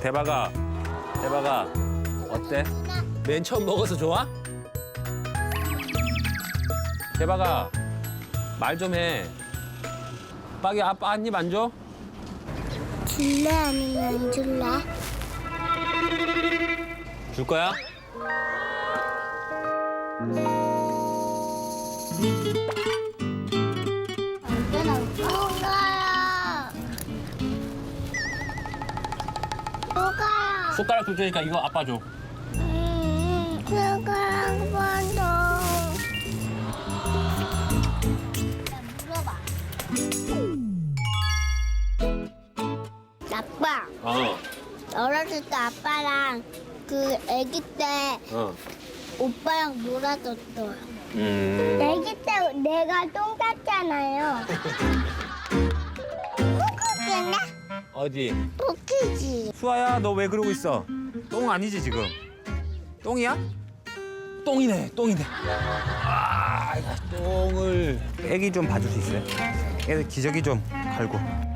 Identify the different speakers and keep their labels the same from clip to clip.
Speaker 1: 대박아, 대박아, 어때? 맨 처음 먹어서 좋아? 대박아, 말 좀 해. 빠기 아빠 한 입 안 줘?
Speaker 2: 줄래 아니면 안 줄래?
Speaker 1: 줄 거야?
Speaker 2: 누가요? 누가요?
Speaker 1: 숟가락 줄 테니까 이거 아빠 줘.
Speaker 2: 누가요? 한 번 더. 물어봐. 아빠,
Speaker 1: 어,
Speaker 2: 어렸을 때 아빠랑 그 아기 때
Speaker 1: 어.
Speaker 2: 오빠랑 놀아줬어.
Speaker 1: 음.
Speaker 2: 아기 때 내가 똥 쌌잖아요. 포크기네?
Speaker 1: 어디?
Speaker 2: 포크지.
Speaker 1: 수아야, 너 왜 그러고 있어? 똥 아니지 지금? 똥이야? 똥이네, 똥이네. 아, 이거 똥을. 애기 좀 봐줄 수 있어요? 애들 기저귀 좀 갈고.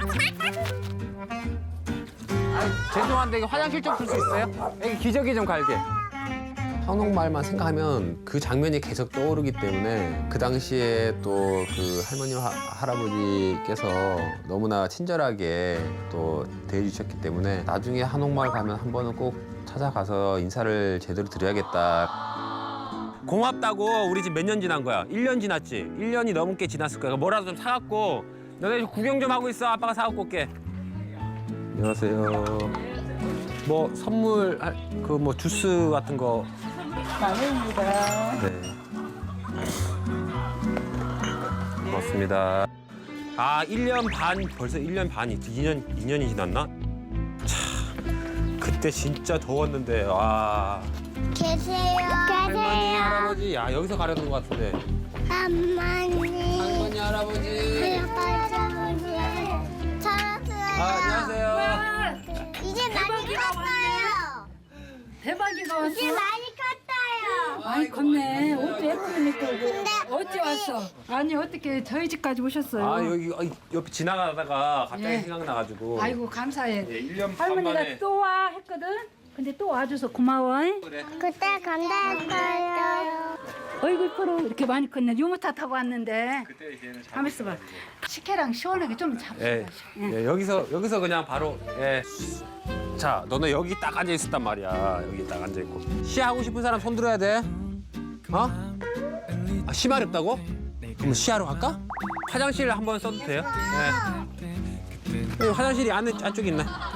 Speaker 1: 아, 죄송한데 이거 화장실 좀 쓸 수 있어요? 애기 기저귀 좀 갈게. 한옥마을만 생각하면 그 장면이 계속 떠오르기 때문에 그 당시에 또 그 할머니 할아버지께서 너무나 친절하게 또 대해주셨기 때문에 나중에 한옥마을 가면 한 번은 꼭 찾아가서 인사를 제대로 드려야겠다. 고맙다고. 우리 집 몇 년 지난 거야? 1년 지났지? 1년이 넘게 지났을 거야. 뭐라도 좀 사갖고 너네 구경 좀 하고 있어. 아빠가 사갖고 올게. 안녕하세요. 뭐 선물 그 뭐 주스 같은 거.
Speaker 3: 나입니다.
Speaker 1: 네. 고맙습니다. 아, 1년 반, 벌써 1년 반이, 2년이 지났나? 참, 그때 진짜 더웠는데, 와.
Speaker 2: 계세요.
Speaker 1: 할머니, 할아버지, 야, 여기서 가려는 것 같은데.
Speaker 2: 할머니.
Speaker 1: 할머니, 할아버지.
Speaker 2: 할아버지. 잘하세요.
Speaker 1: 아, 안녕하세요.
Speaker 2: 이제 많이 컸어요.
Speaker 3: 대박이가 왔어.
Speaker 2: 이제 많이 컸어요.
Speaker 3: 많이 컸네. 옷도 예쁘게 입고
Speaker 2: 근데
Speaker 3: 어찌 왔어? 아니 어떻게 저희 집까지 오셨어요?
Speaker 1: 아, 여기 옆에 지나가다가 갑자기
Speaker 3: 예.
Speaker 1: 생각나가지고.
Speaker 3: 아이고 감사해.
Speaker 1: 예, 1년 반 만에.
Speaker 3: 할머니가 또 와 했거든. 근데 또 와줘서 고마워.
Speaker 1: 그래.
Speaker 2: 그때 감사했어요.
Speaker 3: 어이구 이쁘로 이렇게 많이 컸네. 유모차 타고 왔는데.
Speaker 1: 그때 걔는 잘.
Speaker 3: 가만 있어봐. 식혜랑 시원하게 좀 잡숴봐.
Speaker 1: 예, 예, 여기서 그냥 바로, 예. 자, 너는 여기 딱 앉아 있었단 말이야. 여기 딱 앉아 있고. 시 하고 싶은 사람 손 들어야 돼. 어? 아, 시 마렵다고? 그럼 시하러 갈까? 화장실 한번 써도 돼요? 네. 화장실이 안쪽에 있네.